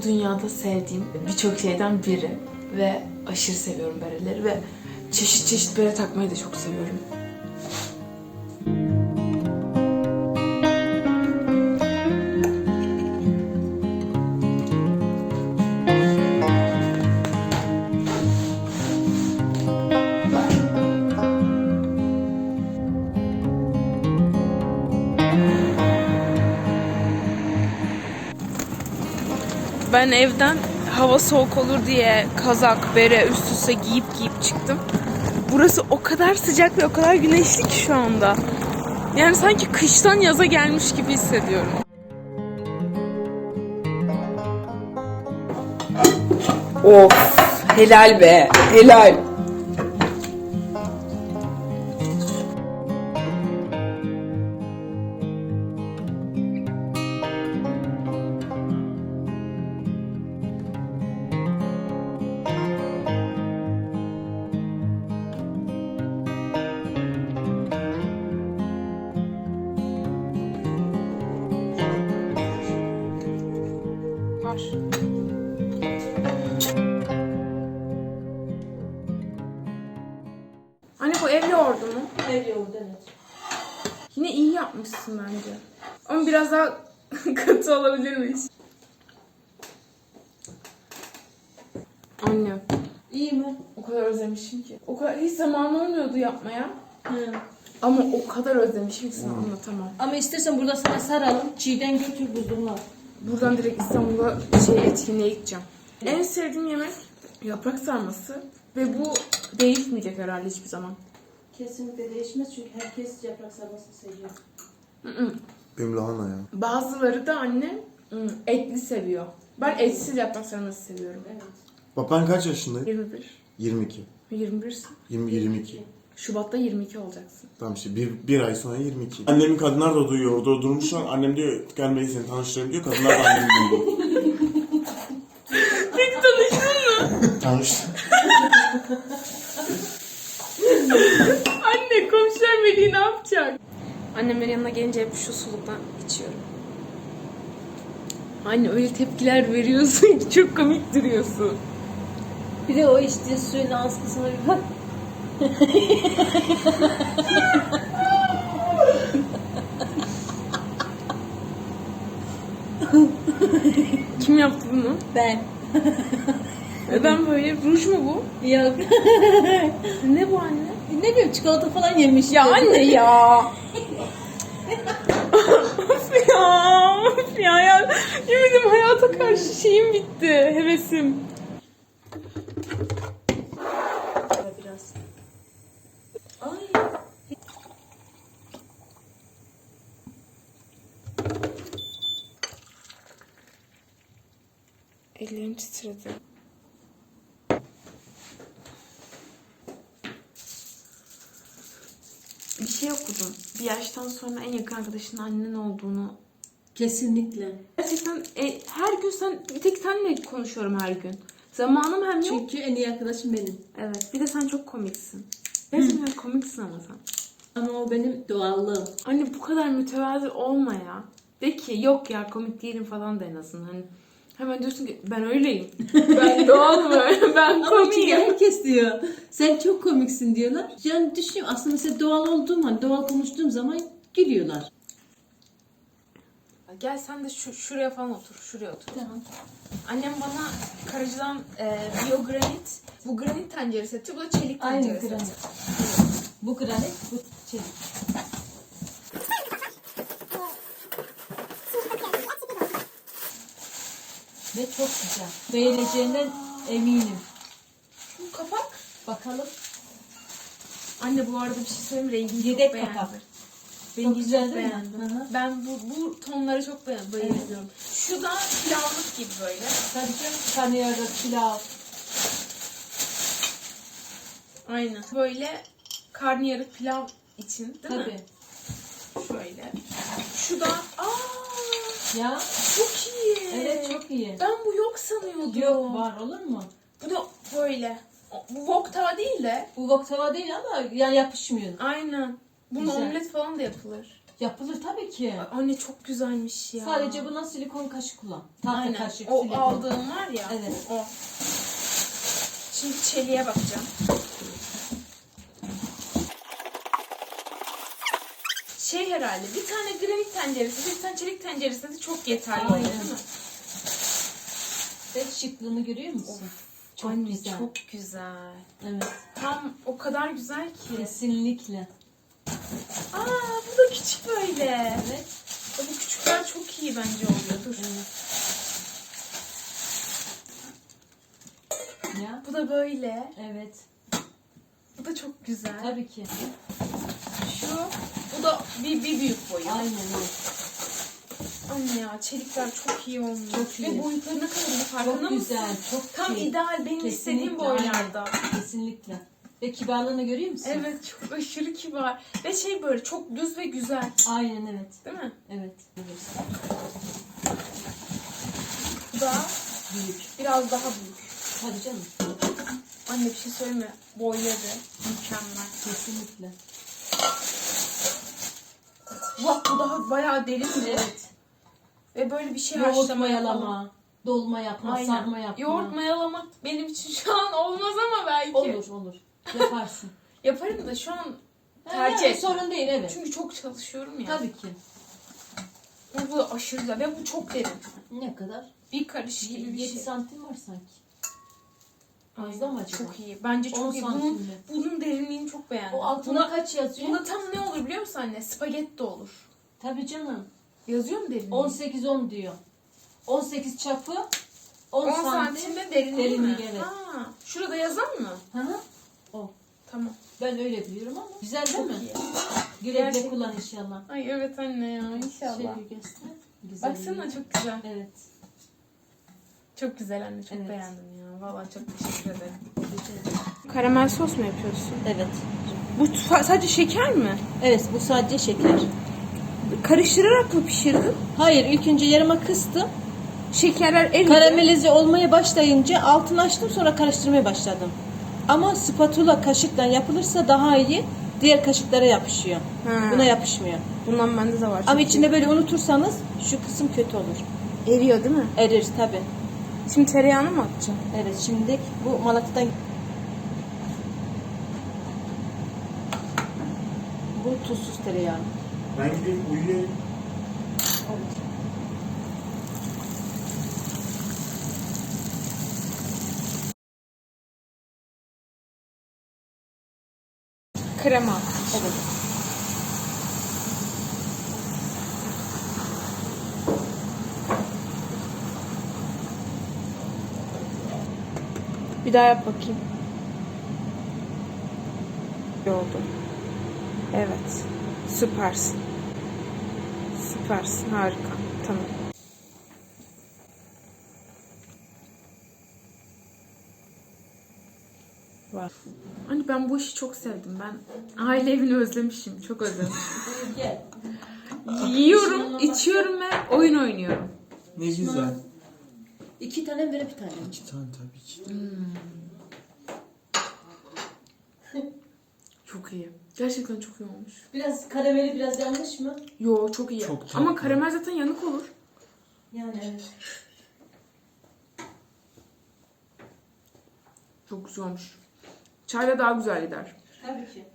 bu dünyada sevdiğim birçok şeyden biri. Ve aşırı seviyorum bereleri ve çeşit çeşit bere takmayı da çok seviyorum. Ben evden hava soğuk olur diye kazak, bere üst üste giyip çıktım. Burası o kadar sıcak ve o kadar güneşli ki şu anda. Yani sanki kıştan yaza gelmiş gibi hissediyorum. Of, helal be, helal. Var. Anne bu ev yoğurdu mu? Ev yoğurdu, evet. Yine iyi yapmışsın bence. Ama biraz daha katı olabilirmiş. Anne, İyi mi? o kadar özlemişim ki. O kadar hiç zaman olmuyordu yapmaya. Hı. Ama o kadar özlemişim ki sana anlatamam. Ama istersen burada sana saralım. Çiğden götür buzluğuna. Buradan direkt İstanbul'a etkinliğe gideceğim. En sevdiğim yemek yaprak sarması ve bu değişmeyecek herhalde hiçbir zaman. Kesinlikle değişmez çünkü herkes yaprak sarmasını seviyor. Benim lahana ya. Bazıları da anne etli seviyor. Ben etsiz yaprak sarması seviyorum. Evet. Bak ben kaç yaşındayım? 21. 22. 21'sin. 22. Şubat'ta 22 olacaksın. Tamam işte bir ay sonra 22. Annemin kadınlar da duyuyor. Orada durmuşlar. Annem diyor gel beni seni tanıştırayım diyor. Kadınlar da annemi duyuyor. Peki tanıştın mı? Tanıştım. Anne komşular Melih'i ne yapacak? Annemlerin yanına gelince hep şu suluktan içiyorum. Anne öyle tepkiler veriyorsun ki çok komik duruyorsun. Bir de o içtiğin suyun askısına bir bak. Kim yaptı bunu? Ben. Ben böyle ruj mu bu? Yok. Ne bu anne? Ne bileyim çikolata falan yemiş. Ya anne ya. Of ya. Of ya. Yemin hayata karşı şeyim bitti. Hevesim. Biraz. Ay. Ellerim titredi. Bir şey okudum. Bir yaştan sonra en yakın arkadaşının annen olduğunu. Kesinlikle. Gerçekten her gün bir tek senle konuşuyorum her gün. Zamanım hem yok. Çünkü en iyi arkadaşım benim. Evet. Bir de sen çok komiksin. Gerçekten komiksin ama sen. Ama o benim doğallığım. Anne bu kadar mütevazi olma ya. De ki yok ya komik değilim falan da en azından. Hani hemen diyorsun ki ben öyleyim. Ben doğal böyle. Ben Ama çünkü komiyim. herkes diyor. Sen çok komiksin diyorlar. Yani düşünüyorum aslında mesela doğal olduğum an, doğal konuştuğum zaman gülüyorlar. Gel sen de şuraya falan otur. Şuraya otur. Tamam. Annem bana Karaca'dan biyogranit. Bu granit tencere seti. Bu da çelik Aynı tencere granit. seti. Bu granit, bu çelik. Ve çok güzel. Beğeneceğinden eminim. Şu kapak. Bakalım. Anne bu arada bir şey söyleyeyim mi? Rengini Yedek çok beğendim. kapak. Rengi güzel çok değil mi? beğendim. Hı hı. Ben bu tonları çok bayılıyorum. Şu da pilavlık gibi böyle. Tabii canım karnıyarık, pilav. Aynen. Böyle karnıyarık pilav için değil mi? Tabii. Şöyle. Şu da Ya çok iyi. evet çok iyi. Ben bu yok sanıyordum. Yok var olur mu? Bu da böyle. Bu wok tava değil de. Bu wok tava değil ama yani yapışmıyor. Aynen. Bunun Güzel. omlet falan da yapılır. Yapılır tabii ki. Anne çok güzelmiş ya. Sadece buna silikon kaşık kullan. Tahta Aynen. kaşık, O silikon. aldığım var ya. Evet. O. Şimdi çeliğe bakacağım. Şey herhalde bir tane granit tenceresi, bir tane çelik tenceresi de çok yeterli oluyor Aynen. değil mi? Ve şıklığını görüyor musun? Çok Anne güzel. çok güzel. Evet. Tam o kadar güzel ki. Kesinlikle. Aa bu da küçük böyle. Evet. Bu küçükler çok iyi bence oluyor. Dur. Evet. Ya. Bu da böyle. Evet. Bu da çok güzel. Tabii ki. Şu. Bu da bir büyük boyu. Aynen öyle. Anne ya çelikler çok iyi olmuş. Çok iyi. Ve boyutlarına kadar farkında Çok mısın? güzel. Çok Tam iyi. ideal benim istediğim Kesinlikle, boylarda. aynen. Kesinlikle. Ve kibarlığını görüyor musun? Evet çok aşırı kibar. Ve şey böyle çok düz ve güzel. Aynen evet. Değil mi? Evet. Evet. Bu da Büyük. biraz daha büyük. Tabii canım. Anne bir şey söyleyeyim mi? Boyları mükemmel. Kesinlikle. Bak bu daha bayağı derin mi? Evet. Ve böyle bir şey Yoğurt haşlamaya falan. mayalama, dolma yapma, Aynen. sarma yapma. Yoğurt mayalamak benim için şu an olmaz ama belki. Olur olur. Yaparsın. Yaparım da şu an tercih Tercih et. sorun değil evet. Çünkü çok çalışıyorum ya. Tabii ki. Ve bu da aşırı güzel. Ve bu çok derin. Ne kadar? Bir karış gibi bir 7 şey. santim var sanki. Aynen. Fazla mı acaba? Çok iyi. Bence 10 çok iyi. Bunun, santimli. bunun derinliğini çok beğendim. O altına kaç yazıyor? Bunda tam ne olur biliyor musun anne? Spagetti olur. Tabii canım. Yazıyor mu derinliği? 18-10 diyor. 18 çapı 10 santim. santimde derinliği mi? Evet. Ha, şurada yazan mı? Hı hı. O. Tamam. Ben öyle biliyorum ama. Güzel değil Çok mi? iyi. Güle güle Gerçekten. kullan inşallah. Ay evet anne ya inşallah. Şöyle göster. Güzel. Baksana çok güzel. Evet. Çok güzel anne. Çok Evet. beğendim ya. Vallahi çok teşekkür ederim. Güzel. Karamel sos mu yapıyorsun? Evet. Bu sadece şeker mi? Evet bu sadece şeker. Karıştırarak mı pişirdin? Hayır ilk önce yarıma kıstım. Şekerler eridi. Karamelize olmaya başlayınca altını açtım sonra karıştırmaya başladım. Ama spatula kaşıkla yapılırsa daha iyi. Diğer kaşıklara yapışıyor. Ha. Buna yapışmıyor. Bundan bende de var. Ama çok içinde böyle unutursanız şu kısım kötü olur. iyi. Eriyor değil mi? Erir tabi. Şimdi tereyağını mı atacağım? Evet şimdi bu Malatya'dan bu tuzsuz tereyağı. Ben gideyim uyuyayım. Krema. Evet. Bir daha yap bakayım. İyi oldu. Evet. Süpersin. Süpersin. Harika. Tamam. Var. Hani ben bu işi çok sevdim. Ben aile evini özlemişim. Çok özlemişim. Gel. Yiyorum, içiyorum ve oyun oynuyorum. Ne güzel. 2 tane böyle bir tane. 2 tane tabii ki. Çok iyi. Gerçekten çok iyi olmuş. Biraz karameli biraz yanlış mı? Yo çok iyi. Çok tatlı. Ama karamel zaten yanık olur. Yani evet. Çok güzel olmuş. Çayla daha güzel gider. Tabii ki.